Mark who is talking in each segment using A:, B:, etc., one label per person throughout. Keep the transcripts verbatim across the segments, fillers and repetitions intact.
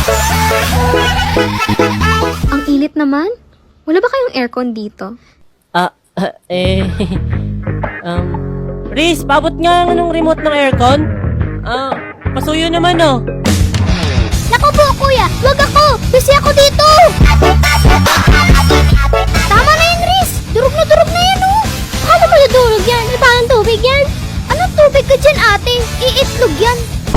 A: Ang init naman. Wala ba kayong aircon dito?
B: Ah, ah, eh... um... Riz, pabot nga ng remote ng aircon. Ah, pasuyo naman oh.
C: Naku po, kuya! Wag ako! Busy ako dito! Tama na yan, Riz! Durog na durog na yan, oh! Paano mo nadurog yan? May parang tubig yan? Anong tubig ka dyan, ate? Iitlog yan!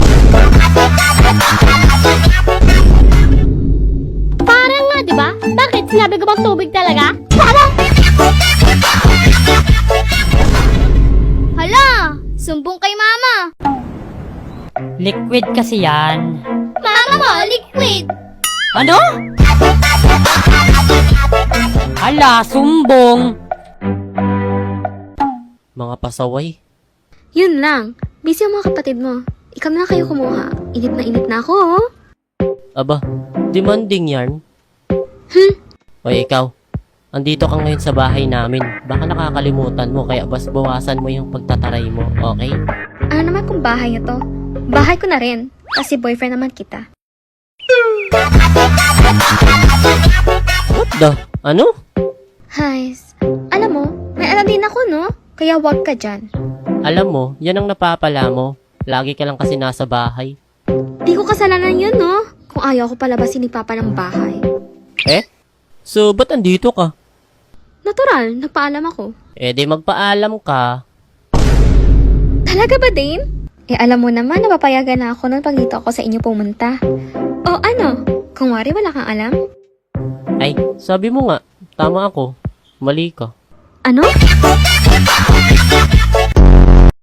C: Parang nga, di ba? Bakit? Sinabi ko bang tubig talaga? Parang! Hala! Sumbong kay mama!
D: Liquid kasi yan.
C: Mama mo, liquid!
D: Ano? Hala, sumbong.
B: Mga pasaway.
A: Yun lang. Busy ang mga kapatid mo. Ikaw na kayo kumuha. Init na init na ako, oh.
B: Aba, demanding yarn.
A: Hmm?
B: Oy, ikaw. Andito ka ngayon sa bahay namin. Baka nakakalimutan mo, kaya bas bawasan mo yung pagtataray mo, okay?
A: Ano naman kung bahay nyo to? Bahay ko na rin. Kasi boyfriend naman kita.
B: What the? Ano?
A: Hays. Alam mo, may alam din ako, no? Kaya wag ka dyan.
B: Alam mo, yan ang napapala mo. Lagi ka lang kasi nasa bahay.
A: Di ko kasalanan yun, no? Kung ayaw ko palabasin ni Papa ng bahay.
B: Eh? So, ba't andito ka?
A: Natural, nagpaalam ako.
B: Eh, di magpaalam ka.
A: Talaga ba, Dane? Eh, alam mo naman, napapayagan na ako noon pag dito ako sa inyo pumunta. O ano? Kung wari wala kang alam?
B: Ay, sabi mo nga, tama ako. Mali ka.
A: Ano?